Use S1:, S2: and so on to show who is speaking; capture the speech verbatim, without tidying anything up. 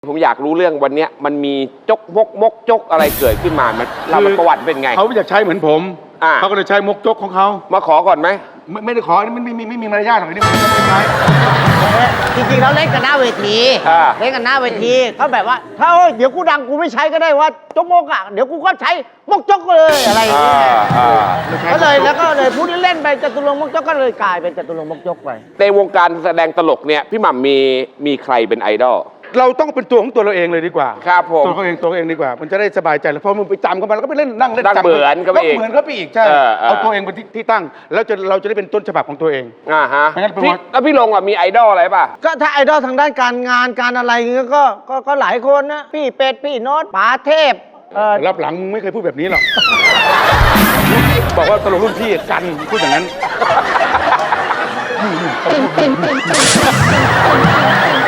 S1: ผมอยากรู้เรื่องวันนี้มันมีจกมกมกจกอะไรเกิดขึ้นมามันเราประวัติเป็นไง
S2: เขาอยากใช้เหมือนผมเขาก็เลยใช้มกจกของเขา
S1: มาขอก่อนไหม
S2: ไม่ไม่ได้ขอนี่ไม่ไม่ไม่มีมารยาทหรอกนี่ไม่ได้ใช้
S3: จริงๆเราเล่นกันหน้าเวทีเล่นกันหน้าเวทีเขาแบบว่าถ้าเดี๋ยวกูดังกูไม่ใช้ก็ได้ว่าจกมกอ่ะเดี๋ยวกูก็ใช้มกจกเลยอะไรอย่างเงี้ยก็เลยแล้วก็เลยพูดเล่นไปจตุรงค์มกจกก็เลยกลายเป็นจตุรงค์มกจกไป
S1: ในวงการแสดงตลกเนี่ยพี่หม่ำมีมีใครเป็นไอดอล
S2: เราต้องเป็นตัวของตัวเราเองเลยดีกว่า
S1: ครับผม
S2: ตัวเขาเองตัวเองดีกว่ามันจะได้สบายใจแล้วพอมึงไปจำเขามาแล้วก็ไปเล่นนั่งเล่น
S1: จำเหมือนก็ไปอีก
S2: เหมือนก็ไปอีกใช่เอาตัวเองเป็นที่ตั้งแล้วจะเราจะได้เป็นต้นฉบับของตัวเอง
S1: อ่าฮะแล้วพี่ลงอ่ะมีไอดอลอะไรป่ะ
S3: ก็ถ้าไอดอลทางด้านการงานการอะไรเงี้ยก็ก็ก็หลายคนนะพี่เป็ดพี่โน้ตป๋าเทพ
S2: รับหลังมึงไม่เคยพูดแบบนี้หรอกบอกว่าตลกรุ่นพี่กันพูดอย่างนั้น